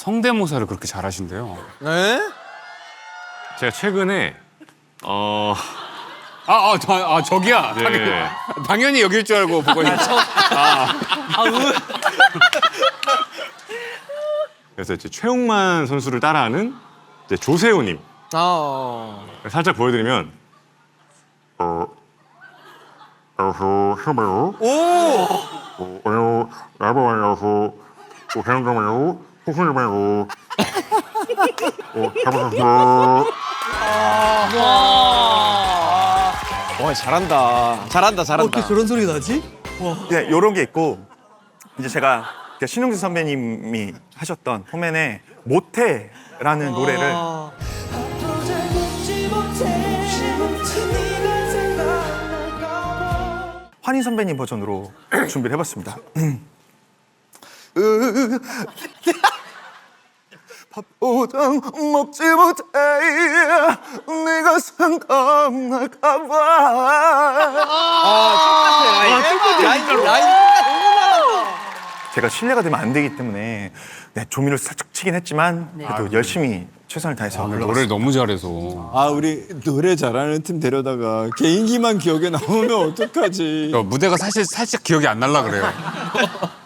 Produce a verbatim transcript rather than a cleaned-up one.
성대모사를 그렇게 잘하신대요. 네? 제가 최근에 어 아, 아, 저, 아 저기야. 네. 당연히, 당연히 여길 줄 알고 보고 있는. 아, 그래서 이제 최용만 선수를 따라하는 이제 조세호님 아. 살짝 보여드리면 어 어서 해봐요. 오! 어, 어요 나봐요. 어 해봐요. 호흡해봐요. 어 해봐요. 와, 잘한다. 잘한다, 잘한다. 어떻게 저런 소리가 나지? 네, 요런 게 있고 이제 제가 그 신용재 선배님이 하셨던 포맨의 모태라는 노래를 환희 선배님 버전으로 준비를 해봤습니다. 밥보다 먹지 못해 네가 생각날까봐. 라인, 라인. 제가 실례가 되면 안 되기 때문에 네, 조미를 살짝 치긴 했지만 그래도 열심히 최선을 다해서 아, 불러봤습니다. 노래를 너무 잘해서. 아 우리 노래 잘하는 팀 데려다가 개인기만 기억에 남으면 어떡하지? 저 무대가 사실 살짝 기억이 안 날라 그래요.